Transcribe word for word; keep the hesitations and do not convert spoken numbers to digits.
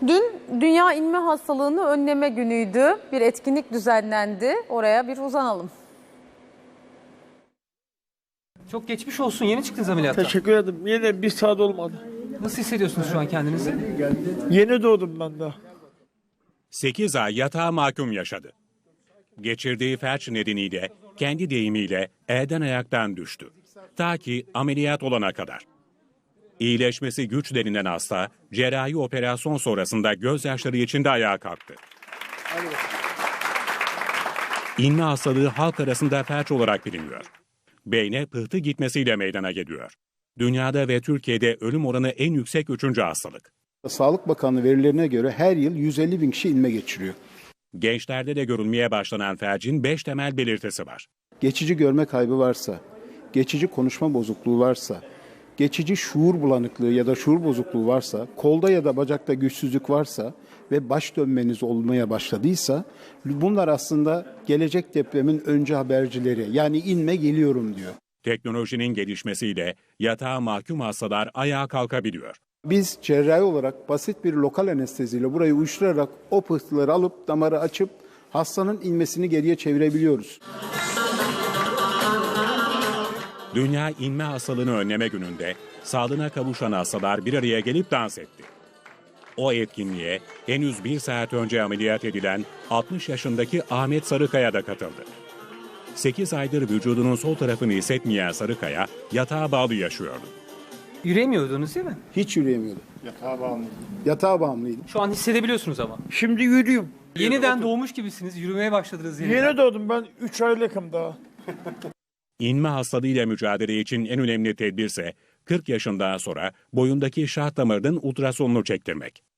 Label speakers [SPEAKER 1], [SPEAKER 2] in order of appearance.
[SPEAKER 1] Dün Dünya İnme Hastalığını Önleme Günü'ydü. Bir etkinlik düzenlendi. Oraya bir uzanalım.
[SPEAKER 2] Çok geçmiş olsun. Yeni çıktınız ameliyattan.
[SPEAKER 3] Teşekkür ederim. Yine bir saat olmadı.
[SPEAKER 2] Nasıl hissediyorsunuz şu an kendinizi?
[SPEAKER 3] Yeni doğdum ben daha.
[SPEAKER 4] sekiz ay yatağa mahkum yaşadı. Geçirdiği felç nedeniyle kendi deyimiyle elden ayaktan düştü. Ta ki ameliyat olana kadar. İyileşmesi güç denilen hasta cerrahi operasyon sonrasında gözyaşları içinde ayağa kalktı. İnme hastalığı halk arasında felç olarak biliniyor. Beyne pıhtı gitmesiyle meydana geliyor. Dünyada ve Türkiye'de ölüm oranı en yüksek üçüncü hastalık.
[SPEAKER 5] Sağlık Bakanlığı verilerine göre her yıl yüz elli bin kişi inme geçiriyor.
[SPEAKER 4] Gençlerde de görülmeye başlanan felcin beş temel belirtisi var.
[SPEAKER 5] Geçici görme kaybı varsa, geçici konuşma bozukluğu varsa, geçici şuur bulanıklığı ya da şuur bozukluğu varsa, kolda ya da bacakta güçsüzlük varsa ve baş dönmeniz olmaya başladıysa bunlar aslında gelecek depremin önce habercileri. Yani inme geliyorum diyor.
[SPEAKER 4] Teknolojinin gelişmesiyle yatağa mahkum hastalar ayağa kalkabiliyor.
[SPEAKER 5] Biz cerrahi olarak basit bir lokal anesteziyle burayı uyuşturarak o pıhtıları alıp damarı açıp hastanın inmesini geriye çevirebiliyoruz.
[SPEAKER 4] Dünya İnme Hastalığını Önleme Günü'nde sağlığına kavuşan hastalar bir araya gelip dans etti. O etkinliğe henüz bir saat önce ameliyat edilen altmış yaşındaki Ahmet Sarıkaya da katıldı. sekiz aydır vücudunun sol tarafını hissetmeyen Sarıkaya yatağa bağlı yaşıyordu.
[SPEAKER 2] Yürüyemiyordunuz değil mi?
[SPEAKER 5] Hiç yürüyemiyordu. Yatağa bağımlıydı. Yatağa bağımlıydı.
[SPEAKER 2] Şu an hissedebiliyorsunuz ama.
[SPEAKER 3] Şimdi yürüyorum.
[SPEAKER 2] Yeniden doğmuş gibisiniz. Yürümeye başladınız yeniden.
[SPEAKER 3] Yeni doğdum ben. üç aylıkım daha.
[SPEAKER 4] İnme hastalığıyla mücadele için en önemli tedbirse kırk yaşından sonra boyundaki şah damarının ultrasonunu çektirmek.